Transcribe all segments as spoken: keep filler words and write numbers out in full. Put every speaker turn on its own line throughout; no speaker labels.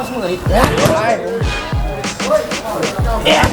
เสมออีกแล้วเอ๊ะ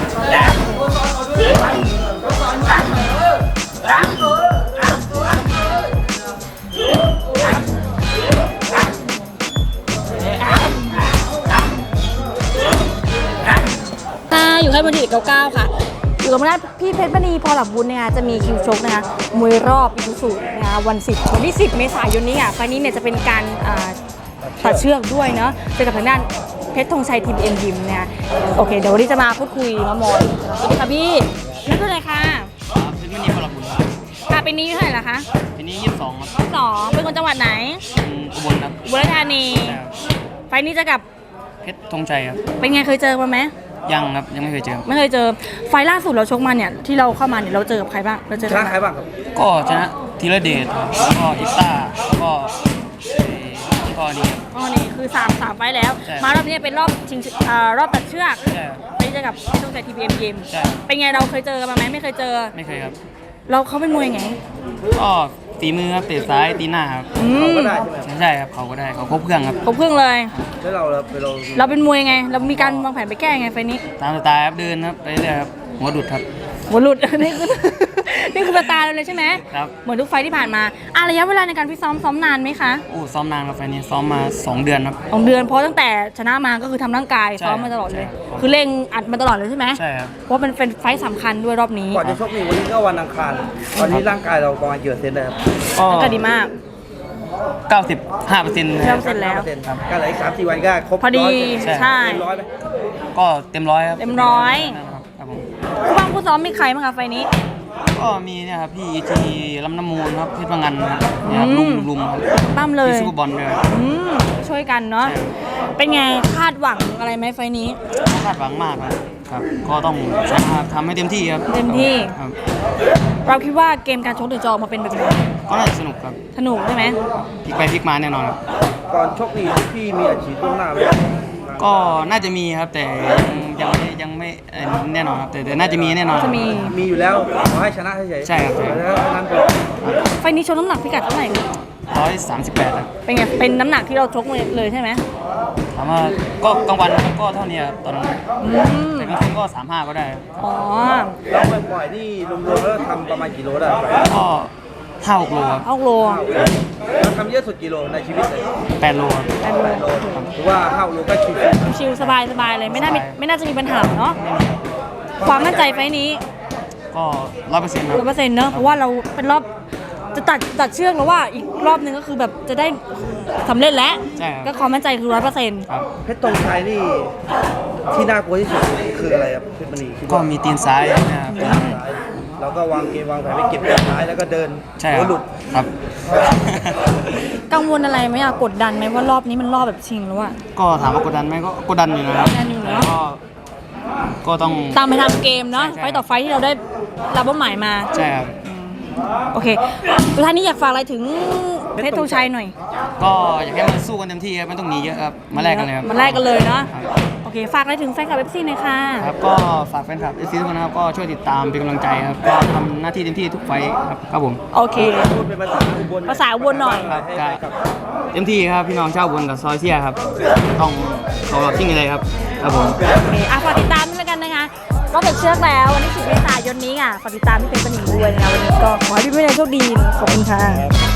อยู่ค่ายมวยดีเก้าเก้าค่ะอยู่กับคณะพี่เพชรมณีพอหลับบุญเนี่ยจะมีคิวชกนะคะมวยรอบอิสุสุนะคะวันสิบวันที่สิบเมษายนนี้อ่ะไฟนี้เนี่ยจะเป็นการตัดเชือกด้วยเนาะเจอกับทางด้านเพชรธงชัยทีมเอ็มยิมเนี่ยโอเคเดี๋ยววันนี้จะมาพูดคุยมามอยสวัสดีค่ะพี่นั่นคืออะไรคะ
เพชรมณีพอหลับบุญ
ค่ะปีนี้เท่าไหร่ละคะ
ปีนี้ยี่สิบสองครับ
สองเป็นคนจังหวัดไหน
อุบลครับ
อุบลราชธานีไฟนี้จะกับ
เพชรธงชัยครับ
เป็นไงเคยเจอมาไหม
ยังครับยังไม่เคยเจอ
ไม่เคยเจอไฟล่าสุดเราชกมาเนี่ยที่เราเข้ามาเนี่ยเราเจอกับใครบ้างเราเจอ
ชนะใครบ้างครับ
ก็ชนะธีรเดชแล้วก็อิต้าแล้วก็ก็นี่
อ๋อนี่คือสามสามไฟแล้วมารอบนี้เป็นรอบชิงรอบตัดเชือกไปเจอกับที่ต้องใส่ทีพีเอ็มเกมเป็นไงเราเคยเจอกันมาไหมไม่เคยเจอ
ไม่เคยครับ
เราเขาเป็นมวยไง
ก็ตีมือครับเตะซ้ายตีหน้าครับ
เขาก็ได้ใช่ไหม
ใช่ครับเขาก็ได้เขาครบเครื่องครับ
ครบเครื่องเลย
แล้วเราเราเรา
เราเป็นมวยไงเรามีการวางแผนไปแก้ไงไฟนี้
ตามสไตล์ครับเดินครับไปเรื่อยครับหัวดุดครับ
หัวหลุดนี่คือนี่คือสไตล์เราเลยใช่ไหม
ครับ
เหมือนทุกไฟที่ผ่านมาอ่ะระยะเวลาในการฟิตซ้อมซ้อมนานไหมคะ
โอ้ซ้อมนานครับไฟนี้ซ้อมมาสองเดือนครับ
สองเดือนเพราะตั้งแต่ชนะมาก็คือทำร่างกายซ้อมมาตลอดเลยคือเร่งอัดมาตลอดเลยใช่ไหม
ใช่ครับ
เพราะเป็นเป็นไฟสำคัญด้วยรอบนี้
ก่อนจะชกนี่วันนี้ก็วันอังคารวันนี้ร่างกายเราประมาณเยอะเซนเลยครับ
ก็ดีมาก
เก้าสิบห้าเปอร์เซ็นต์
เก้าเปอร์เซ็นต์แล้ว
ก็เหลืออีกสามสี่วันก็ครบ
พอดีใช่
เต็มร้อยไหม
ก็เต็มร้อยครับ
เต็มร้อยผู้บังผู้ซ้อมมีใครบ้างคะไฟนี้
ก็มีเนี่ยครับพี่ทีลำน้ำมูลครับเพชรพังงันเนี่ยครับลุงลุงครับ
ปั้มเลย
ซูเปอร์บอลเลย
ช่วยกันเนาะเป็นไงคาดหวังอะไรไหมไฟนี้
คาดหวังมากครับก็ต้องทำให้เต็มที่ครับ
เต็มที่เราคิดว่าเกมการชกถึงจะออกมาเป็นแบบไหน
ก็น่าจะสนุกครับ
สนุกใช่ไหม
พลิกไปพลิกมาแน่นอนครับ
ก่อนชกนี่พี่มีอาชีพต้นหน้าไหม
ก็น่าจะมีครับแต่ยังไม่ยังไม่แน่นอนครับแต่แต่น่าจะมีแน่นอน
จะมี
มีอยู่แล้วขอให้ชนะเฉย
ใช่ครับ
แล้วนั้นก็
ไฟนี้ชกน้ำหนักพิกัดเท่าไหร่
ร้อยสามสิบแปดครับ
เป็นไงเป็นน้ำหนักที่เราชกเลยใช่ไหม
ถามว่าก็กลางวันก็เท่านี้ครับตอนนั้นแต่กลางคืนก็สามห้าก็ได้
อ๋อ
แล้วปล่อยนี่รวมๆแล้วทำประมาณกี่โลได้
ก็ห้าหกโลครับ
ห้าโล
เราทำเยอะสุดกี่โลในชีวิตเลย
แปดโล
แปดโล
ถือว่าห้าโลก็ชิว
ชิวสบายสบายเลยไม่น่าไม่น่าจะมีปัญหาเนาะความมั่นใจไฟนี้
ก็ร้อยเปอร์เซ็นต์
ร้อยเปอร์เซ็นต์เนาะเพราะว่าเราเป็นรอบจะตัดตัดเชือกแล้วว่าอีกรอบนึงก็คือแบบจะได้สำเร็จแล้วก็ความมั่นใจคือร้อยเปอร์เซ็นต์
เพชรธงชัยนี่ที่น่ากลัวที่สุดคืออะไรครับเพชรมณี
ก็มีตีนซ้ายนะครับ
เราก็วางเกมวางแผนไปเก็บตีนซ้ายแล้วก็เดิน
หัวหลุดครับ
กังวลอะไรไหมอะกดดันไหมว่ารอบนี้มันรอบแบบชิงแล้วอะ
ก็ถามว่ากดดันไหมก็กดดันอยู่นะครับ
กดดันอยู่เนาะ
ก็ต้อง
ตามไปทำเกมเนาะไฟต่อไฟที่เราได้รับเป้าหมายมา
ใช่ครับ
โอเคสุดท้ายนี้อยากฝากอะไรถึงเพชรธงชัยหน่อย
ก็อยากให้มันสู้กันเต็มที่ครับไม่ต้องหนีเยอะครับมาแลกกันเลยครับ
มาแลกกันเลยเนาะโอเคฝากอะไรถึงแฟนคลับเอฟซีหน่อยค่ะ
ครับก็ฝากแฟนคลับเอฟซีทุกคนนะครับก็ช่วยติดตามเป็นกำลังใจครับก็ทำหน้าที่เต็มที่ทุกไฟครับครับผม
โอเค
เป็นภาษาอุบล
ภาษาอุบลหน่อย
ครับเต็มที่ครับพี่น้องชาวอุบลกับซอยเซียครับต้องเขาแบบที่มีอะไรครับครับผม
โอเคอ่ะฝากติดตามด้วยกันนะคะก็เป็นเชือกแล้ววันที่สิบเมษายนนี้อ่ะฝากติดตามที่เป็นปนิงด้วยนะคะวันนี้ก็ขอให้พี่ผู้ใหญ่โชคดีขอบคุณค่ะ